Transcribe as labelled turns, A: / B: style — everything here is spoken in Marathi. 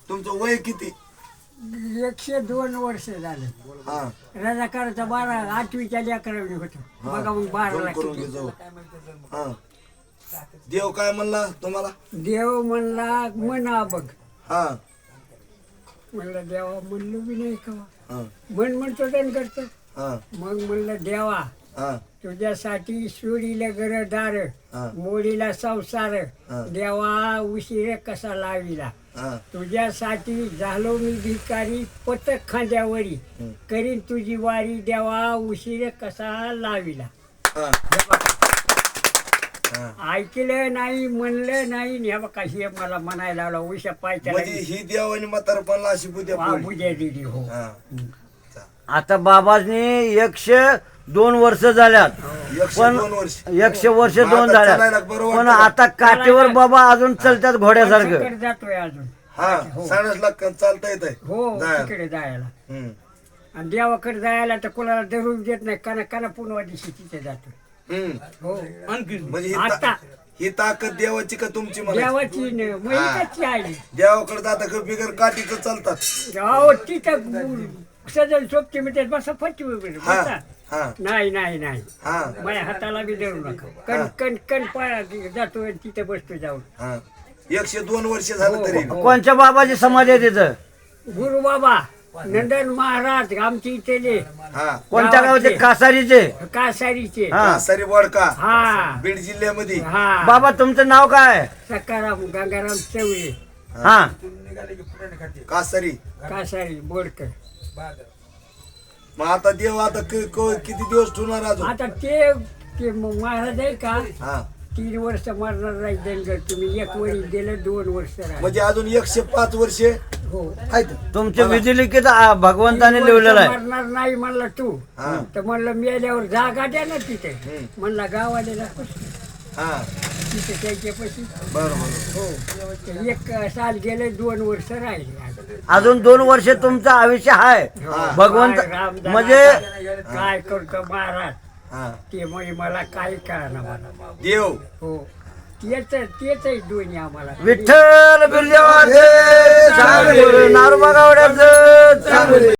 A: तुमचं वय किती?
B: 102 वर्ष झाले.
A: हा
B: रजाकाराचा 8वीच्या लेकरांनी होतो बघा मग 12ला
A: करून
B: किती.
A: घे जाऊ. हा देव काय म्हणला तुम्हाला?
B: देव म्हणला म्हणा बघ.
A: हा
B: म्हणलं देवा म्हणलं बी नाही का
A: हा
B: म्हणतो त्यानं करतो.
A: हा
B: मग म्हणलं देवा
A: हा
B: तुझ्यासाठी सोडीला घरदार
A: हा.
B: मोडीला संसार
A: हा.
B: देवा उशीर कसा लाविला
A: हा
B: तुझ्यासाठी झालो मी भिकारी पतक खांद्यावरी करीन तुझी वारी देवा उशीर कसा लाविला.
A: हा.
B: ऐकलं नाही म्हणलं नाही आणि हे बघा हे मला म्हणायला लावला उशा पायच्या
A: म्हणजे ही देवानी म्हातारपणला अशी बुद्ध्या पोळी.
B: बुद्या दिली हो.
A: हा.
C: आता बाबांनी 102 वर्ष झाल्यात.
A: 102 वर्ष
C: 100 वर्ष
A: मग
C: दोन
A: आता
C: झाल्यात.
A: चालायला बरं
C: पण
A: वाटतं.
C: आता काठीवर बाबा अजून चालतात घोड्यासारखं.
B: तिकडे जातोय अजून
A: हा साडसला चालता येत
B: हो
A: जायला.
B: तिकडे जायला
A: हम्म.
B: आणि देवाकडे जायला तर कोणाला धरून देत नाही काना पुन्हा दिवशी तिथे जातो.
A: हम्म.
B: हो
A: म्हणजे ही
B: आता
A: ही ताकद देवाची का तुमची मला?
B: देवाची मैकाची आहे.
A: देवाकडे जाता का बिगर काठीचं चालतात?
B: अहो तिथं सजल सोबती म्हणते बसा फटकी
A: हा
B: बसा.
A: हा
B: नाही नाही नाही
A: हा
B: माझ्या हाताला बी धरू नका कण कण कण पाया जातो आणि तिथे बसतो जाऊन.
A: हा 102 वर्ष झालं तरी
B: हो.
C: कोणच्या बाबाची समाधी आहे तिथं?
B: गुरु बाबा नंदन महाराज आमची इथले
A: हा
C: कोणत्या गावाचे? कासारीचे.
B: कासारीचे.
C: हा.
A: सरी वडका
B: हा
A: बीड जिल्ह्यामध्ये.
B: हा
C: बाबा तुमचं नाव काय?
B: सकाराम गंगाराम चवळे
C: हा
A: कासरी.
B: कासारी बोडकर.
A: मग आता देव आता किती दिवस ठेवणार अजून?
B: आता ते महाराज आहे का
A: हा
B: 3 वर्ष मारणार नाही दंड तुम्ही 1 वरी दिलं 2 वर्ष राहिले.
A: म्हणजे अजून 105 वर्षे
B: हो
A: आहेत.
C: तुमच्या विधिलिखित भगवंताने
B: 3
C: लिहिलेलं
B: वर्ष
C: आहे.
B: मारणार नाही म्हणला तू
A: हा.
B: तर म्हणलं मेल्यावर जागा द्या ना तिथे. म्हणला गावाला दाखव
A: हा
B: तिथे त्याच्या पैसे.
A: बरोबर.
B: हो ते 1 साल गेले 2 वर्ष राहिले.
C: अजून 2 वर्ष तुमचं आयुष्य आहे. भगवंत
B: काय रामदास
C: म्हणजे
B: आता काय करतो महाराज
A: हा
B: ते म्हणजे मला काही कळणार मला.
A: देव
B: हो तेच आहे दोन्ही आम्हाला.
C: विठ्ठल बिल्लेवाचे चांगले नारोबा गावड्याचं चांगले.